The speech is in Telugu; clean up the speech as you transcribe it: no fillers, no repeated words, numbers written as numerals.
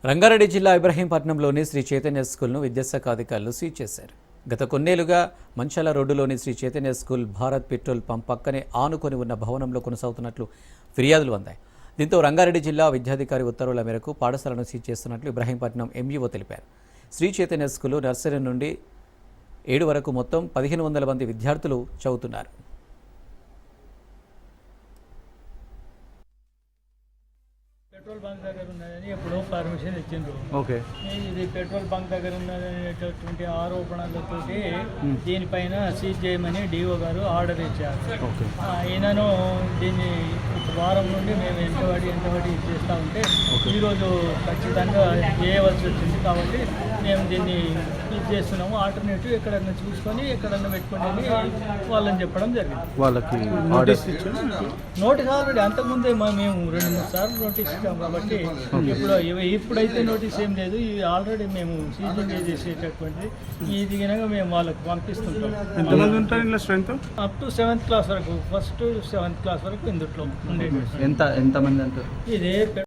రంగారెడ్డి జిల్లా ఇబ్రహీంపట్నంలోని శ్రీ చైతన్య స్కూల్ను విద్యాశాఖ అధికారులు సీజ్ చేశారు. గత కొన్నేళ్లుగా మంచాల రోడ్డులోని Sri Chaitanya school Bharat petrol pump పక్కనే ఆనుకొని ఉన్న భవనంలో కొనసాగుతున్నట్లు ఫిర్యాదులు అందాయి. దీంతో రంగారెడ్డి జిల్లా విద్యాధికారి ఉత్తర్వుల మేరకు పాఠశాలను సీజ్ చేస్తున్నట్లు ఇబ్రహీంపట్నం ఎంఈఓ తెలిపారు. శ్రీ చైతన్య స్కూల్ నర్సరీ నుండి 7 వరకు మొత్తం 1500 మంది విద్యార్థులు చదువుతున్నారు. పెట్రోల్ బంక్ దగ్గర ఉన్నదని ఎప్పుడో పర్మిషన్ ఇచ్చిండ్రు. ఓకే, ఇది పెట్రోల్ బంక్ దగ్గర ఉన్నదనేటటువంటి ఆరోపణలతోటి దీనిపైన సీజ్ చేయమని డిఓ గారు ఆర్డర్ ఇచ్చారు. ఓకే. ఈయనను దీన్ని వారం నుండి మేము ఎంతబడి చేస్తూ ఉంటే ఈరోజు ఖచ్చితంగా చేయవలసి వచ్చింది. కాబట్టి మేము దీన్ని ఇది చేస్తున్నాము. ఆల్టర్నేటివ్ ఎక్కడన్నా చూసుకొని ఎక్కడన్నా పెట్టుకోండి అని వాళ్ళని చెప్పడం జరిగింది. వాళ్ళకి నోటీస్ ఆల్రెడీ అంతకుముందే మేము 2-3 సార్లు నోటీస్ ఇచ్చాము. కాబట్టి ఇప్పుడైతే నోటీస్ ఏం లేదు. ఇది ఆల్రెడీ మేము సీజింగ్ చేసేటటువంటి ఇది కనుక మేము వాళ్ళకి పంపిస్తుంటాం. ఎంతమంది ఉంటారు ఇందులో strength? Up to 7th class వరకు, ఫస్ట్ 7th క్లాస్ వరకు ఇందులో ఉండేది. ఎంతమంది అంటారు? ఇదే